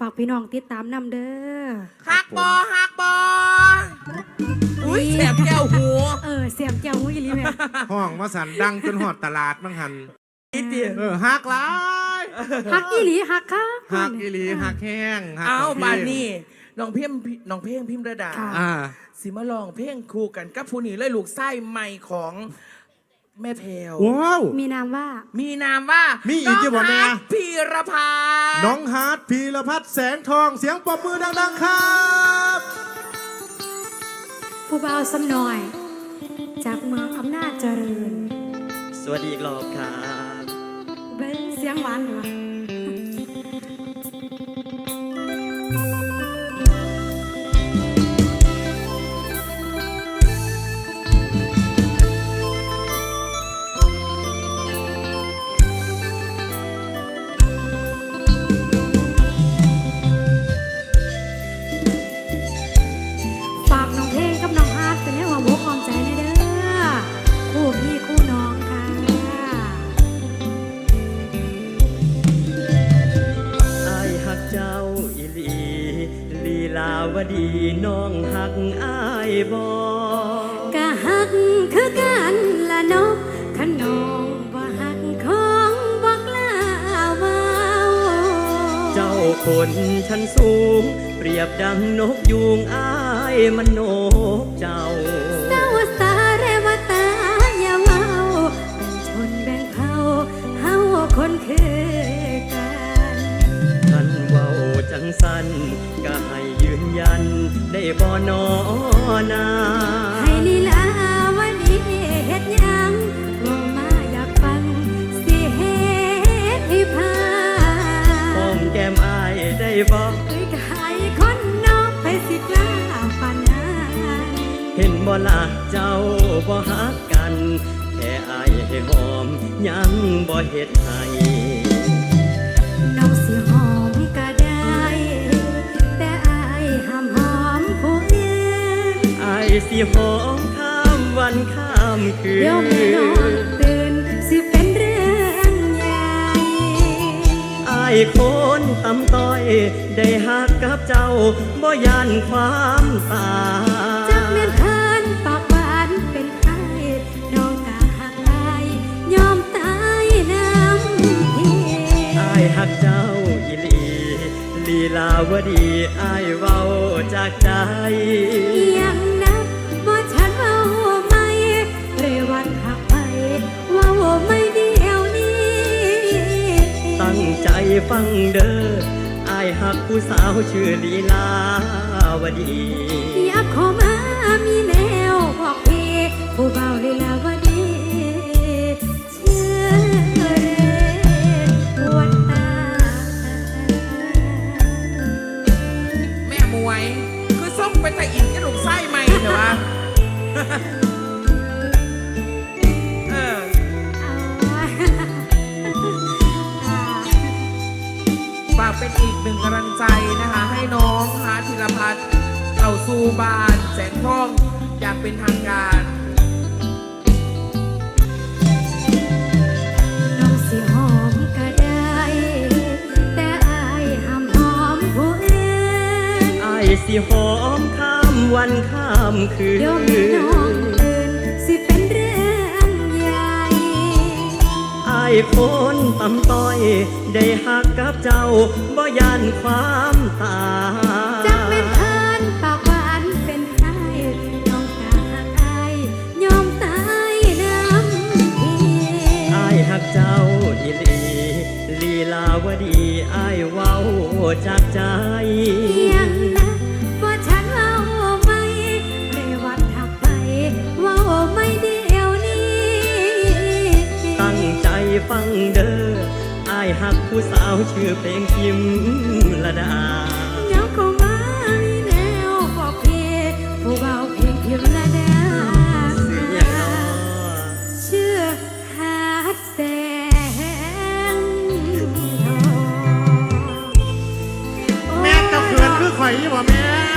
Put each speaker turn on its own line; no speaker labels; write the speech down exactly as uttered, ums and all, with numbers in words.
ากพี่น้องติดตามนำเด้อ
ฮักบอฮักบออุ้ยแสบแก้วหู
เออเสียบแก้วหูอีหลีแม่
ห้องมาสันดังจนหอดตลาดบังหัน
นิดเดียว
เออฮักหลาย
ฮักอีหลีฮักค่ะ
ฮักอีหลีฮักแห้ง
เอาบานนี่น้องเพ่งน้องเพ่งพิมพ์ระดาสิมาลองเพ่งคู่กันกับผู้นี้เลยลูกไส้ใหม่ของแม่แพรว
ว้าว
มีนามว่า
มีนามว่า
มีอีกที่บอกแม่
พีรพัฒน์
น้องฮาร์ดพีรพัฒน์แสงทองเสียงปรบมือดังๆครับ
ผู้บ่าวสำน้อยจากเมืองอำนาจเจริญ
สวัสดีอีกรอบครับ
เบ้เสียงหวานเหรอ
วดีน้องหักอายบอก
ะหักคือกันละนกขนองบ่หักของบอกลาว่า
เจ้าคนชั้นสูงเปรียบดังนกยูงอายมันนกเจ้า
สาวสาเรวตาอย่าเมาเป็นชนแบ่งเผ่าเฮาคนคือกัน
ท่านเว้าจังสันก็ให้ยืนยันได้บ่นอนา
ให้ลีลาวดีเฮ็ดหยังบ่มาอยากฟังสิเฮ็ดให้พา
หอมแก้มอายได้บ่
เอ้ยก็ให้คนนอกไปสิกล้าปานนั้น
เห็นบ่ล่ะเจ้าบ่ฮักกันแค่อายให้หอมยังบ่เฮ็ดให้
น้องสิหอมก็ได้แต่อายห้ามหอมผู้อื่น
อายสิหอมข้ามวันข้ามคืน
เดี๋ยวแม่นอนตื่นสิเป็นเรื่องใหญ่
อายคนตำต้อยได้ฮักกับเจ้าบ่ยานความตาย
จักแม่นเพิ่นปากหวานเป็นไห้น้องกะหักอายยอมตายน้ำพี่
อายฮักเจ้าอีหลีลีลาวดีอายเว้าจากใจ
ยังนับว่าฉันเว้าไม่เรวัตหักไปเว้าไม่เดียวนี้
ตั้งใจฟังเด้ออายหักผู้สาวชื่อลีลาวดี
อยากขอมามีแนวบอกพี่ผู้เบาลีลาวดีเชื่อเรวันตา
แม่มวยคือส่งไปแต่อินกับลูกไส้ใหม่เถอะวะเออฝากเป็นอีกหนึ่งกำลังใจนะคะให้น้องฮาร์ทธีรพัฒน์เข้าสู่บ้านแสงทองอยากเป็นทางการ
น้องสิหอมก็ได้แต่อายห้ามหอมผู้อื่น
อายสิหอมข้ามวันข้ามคืน
เดี๋ยวแม่น้องตื่นสิเป็นเรื่องใหญ่
อายคนตำต้อยได้ฮักกับเจ้าบ่ยานความตาย
จักแม่นเพิ่นปากหวานเป็นไห้น้องกะหักอายยอมตายน้ำพี่
อายฮักเจ้าอีหลีลีลาวดีอายเว้าจากใจ
ยังนะว่าฉันเว้าไม่เรวัตหักไปเว้าไม่เดียวนี้
ตั้งใจฟังเด้ออายหักผู้สาวชื่อเพลงพิมระดา
เงาเข้ามามีแนวบอกพี่ผู้เบาเพลงพิมระดาชื่อฮาร์ทแสงทอง
แม่เจ้าเขื่อนคือข่อยยี่บ่แม่